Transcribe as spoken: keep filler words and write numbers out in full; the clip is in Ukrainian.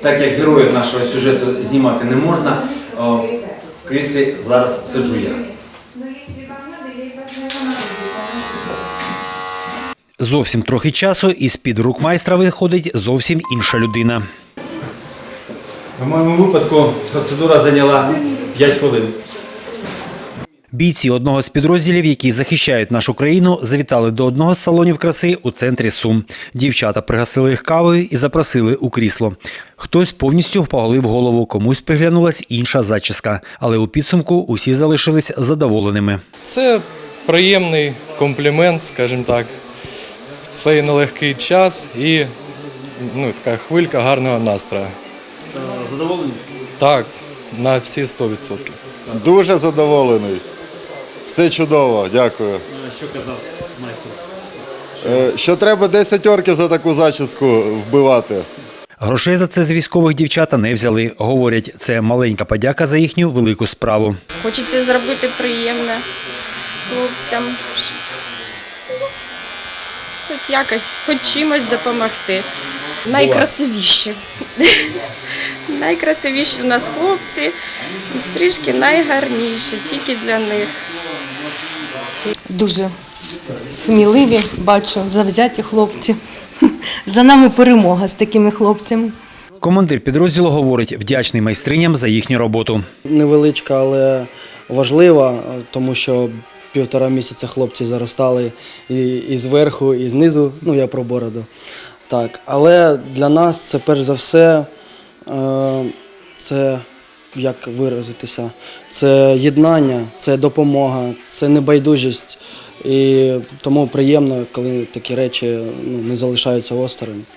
так як героїв нашого сюжету знімати не можна, о, в кріслі зараз сиджу я. Зовсім трохи часу і з-під рук майстра виходить зовсім інша людина. В моєму випадку процедура зайняла п'ять хвилин. Бійці одного з підрозділів, які захищають нашу країну, завітали до одного з салонів краси у центрі Сум. Дівчата пригостили їх кавою і запросили у крісло. Хтось повністю поголив голову, комусь приглянулась інша зачіска. Але у підсумку усі залишились задоволеними. Це приємний комплімент, скажімо так, в цей нелегкий час і ну, така хвилька гарного настрою. Задоволені? Так, на всі сто відсотків. Дуже задоволений. Все чудово, дякую. Що казав майстер? Що треба десять орків за таку зачіску вбивати. Грошей за це з військових дівчата не взяли. Говорять, це маленька подяка за їхню велику справу. Хочеться зробити приємне хлопцям. Хоч якось, хоч чимось допомогти. Найкрасивіші. Найкрасивіші у нас хлопці, і стрижки найгарніші, тільки для них. Дуже сміливі, бачу, завзяті хлопці. За нами перемога з такими хлопцями. Командир підрозділу говорить, вдячний майстриням за їхню роботу. Невеличка, але важлива, тому що півтора місяця хлопці заростали і, і зверху, і знизу, ну я про бороду. Так, але для нас це перш за все, е, це, як виразитися, це єднання, це допомога, це небайдужість. І тому приємно, коли такі речі ну, не залишаються осторонь.